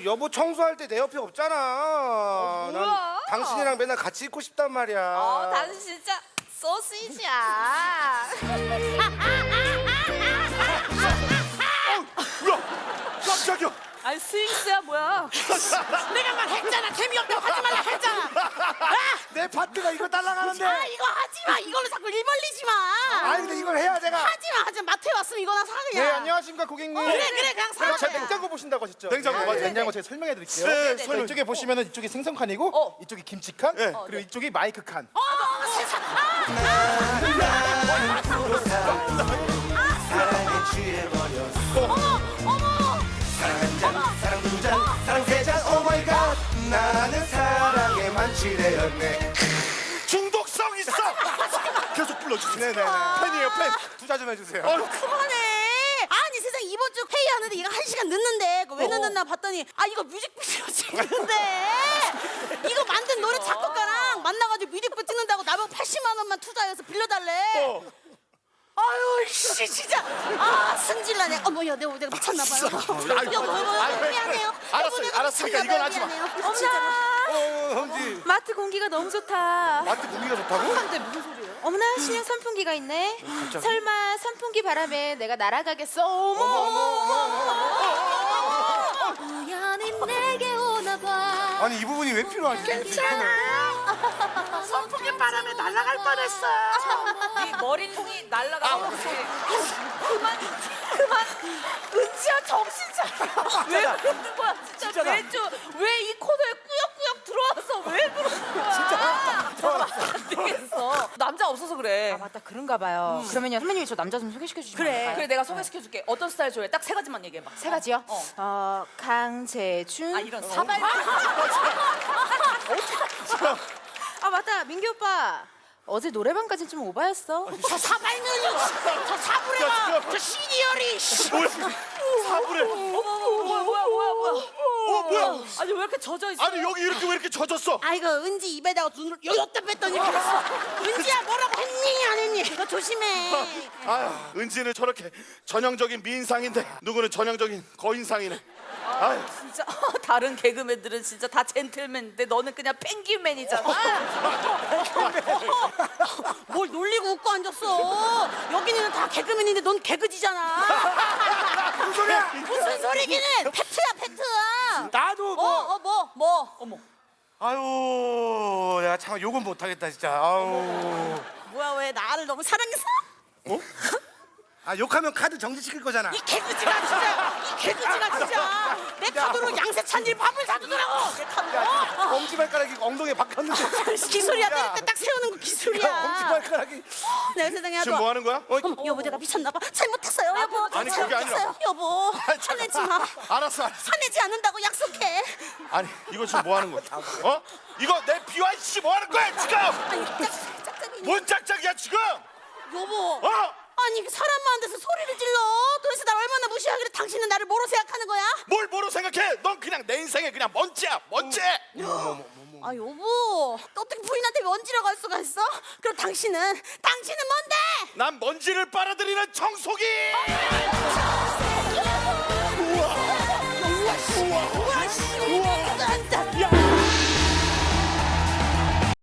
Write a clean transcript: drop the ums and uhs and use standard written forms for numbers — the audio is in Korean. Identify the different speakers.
Speaker 1: 여보 청소할 때 내 옆에 없잖아.
Speaker 2: 뭐야?
Speaker 1: 난 당신이랑 맨날 같이 있고 싶단 말이야.
Speaker 2: 당신 진짜 소시지야.
Speaker 3: 뭐야? 깜짝이야.
Speaker 2: 아니 스윙스야 뭐야?
Speaker 4: 내가 말했잖아. 재미없다고 하지 말라 했잖아.
Speaker 1: 내 파트가 이거 날라가는데.
Speaker 4: 아 이거 하지 마. 이걸로 자꾸 일 벌리지 마.
Speaker 1: 아니 근데 이걸 해야 내가.
Speaker 4: 하지 마. 마트에 왔으면 이거나 사 그냥.
Speaker 1: 네 안녕하십니까 고객님.
Speaker 4: 그래 그냥 사.
Speaker 1: 제
Speaker 4: 그냥.
Speaker 1: 냉장고 보신다고 하셨죠?
Speaker 3: 냉장고,
Speaker 1: 네,
Speaker 3: 맞아요.
Speaker 1: 냉장고 제가 설명해 드릴게요.
Speaker 3: 네,
Speaker 1: 자,
Speaker 3: 설명.
Speaker 1: 이쪽에 보시면은 이쪽이 생선칸이고 이쪽이 김치칸
Speaker 3: 네.
Speaker 1: 그리고 이쪽이 마이크 칸.
Speaker 4: 세상.
Speaker 1: 사랑에 취해버렸어.
Speaker 4: 어머.
Speaker 1: 사랑 한 잔, 사랑 두 잔, 사랑 세 잔. 오 마이 갓. 나는 사랑에 만취되었네.
Speaker 3: 중독성 있어. 계속 불러주세요.
Speaker 1: 네네.
Speaker 3: 팬이에요, 팬.
Speaker 1: 투자 좀 해주세요.
Speaker 4: 그만해. 아니 세상 이번 주 회의하는데 이거 1시간 늦는데 왜 늦었나 봤더니 이거 뮤직비디오 찍는데 이거 만든 노래 작곡가랑 만나가지고 뮤직비디오 찍는다고 나보고 80만 원만 투자해서 빌려달래. 아유 씨 진짜 승질나네. 어머야 내가 미쳤나 봐요. 여보 미안해요.
Speaker 3: 알았으니까 이건 하지 마.
Speaker 2: 어머나
Speaker 1: 험지.
Speaker 2: 마트 공기가 너무 좋다.
Speaker 1: 마트 공기가 좋다고?
Speaker 2: 근데 무슨 소리예요? 어머나 신형 선풍기가 있네. 설마 선풍기 바람에 내가 날아가겠어? 어머. 우연히 내게 오나 봐.
Speaker 1: 아니 이 부분이 왜 필요하지?
Speaker 4: 선풍기 바람에 날아갈 뻔했어.
Speaker 2: 네 머리통이 날아가고 그만 은지야 정신 차려. 왜 그러는 거야 진짜. 왜 이 코너에 꾸역꾸역 들어와서 왜 그러는 거야. 진짜 안 되겠어. 남자 없어서 그래.
Speaker 5: 맞다 그런가 봐요. 그러면요 선배님이 저 남자 좀 소개시켜 주시면 안 될까요?
Speaker 2: 그래 내가 소개시켜줄게. 어떤 스타일 좋아해? 딱 세 가지만 얘기해봐.
Speaker 5: 세 가지요? 강재준.
Speaker 2: 이런 사발.
Speaker 5: 맞다 민규 오빠 어제 노래방까지 좀 오바였어.
Speaker 4: 저 사발면이 저 사부래가 저 시니어리.
Speaker 3: 사부래.
Speaker 2: 뭐야.
Speaker 3: 뭐야?
Speaker 2: 아니 왜 이렇게 젖어 있어?
Speaker 3: 아니 여기 왜 이렇게 젖었어?
Speaker 4: 아이고 은지 입에다가 눈을 여기다 뺐더니 그랬어. 은지야 뭐라고 했니 안 했니? 너 조심해.
Speaker 3: 아유, 은지는 저렇게 전형적인 미인상인데 누구는 전형적인 거인상이네. 아유,
Speaker 2: 진짜 다른 개그맨들은 진짜 다 젠틀맨인데 너는 그냥 펭귄맨이잖아.
Speaker 4: 뭘 놀리고 웃고 앉았어. 여기는 다 개그맨인데 넌 개그지잖아.
Speaker 1: 무슨 소리야?
Speaker 4: 무슨 소리기는 팩트야 팩트.
Speaker 1: 나도
Speaker 4: 뭐.
Speaker 2: 어머.
Speaker 1: 아유 내가 참 욕은 못하겠다 진짜. 아유.
Speaker 4: 뭐야 왜 나를 너무 사랑해서?
Speaker 1: 아 욕하면 카드 정지시킬 거잖아.
Speaker 4: 이 개그지가 진짜 내 카드로 양세찬일 밥을 사주더라고. 내 카드로.
Speaker 1: 엄지발가락이 엉덩이에 박혔는데.
Speaker 4: 기술이야. 때릴 때 딱 세우는 거 기술이야.
Speaker 1: 엄지발가락이.
Speaker 4: 내 세상에
Speaker 3: 지금 뭐 하는 거야?
Speaker 4: 어머, 여보 내가 미쳤나 봐. 잘못했어요 여보.
Speaker 3: 아니, 그게 아니라.
Speaker 4: 잘못했어요. 여보 화내지 마.
Speaker 3: 알았어.
Speaker 4: 화내지 않는다고 약속해.
Speaker 3: 아니 이거 지금 뭐 하는 거야? 어? 이거 내 비와 씨 뭐 하는 거야 지금?
Speaker 4: 아니 짝짝이니.
Speaker 3: 뭔 짝짝이야 지금?
Speaker 4: 여보.
Speaker 3: 어?
Speaker 4: 아니 사람 많은 데서 소리를 질러. 도대체 날 얼마나 무시하길래 당신은 나를 뭐로 생각하는 거야?
Speaker 3: 뭘 뭐로 생각해? 넌 그냥 내 인생에 그냥 먼지야 먼지.
Speaker 4: 아 여보 어떻게 부인한테 먼지라고 할 수가 있어? 그럼 당신은 뭔데?
Speaker 3: 난 먼지를 빨아들이는 청소기.
Speaker 4: 우와 씨. 우와.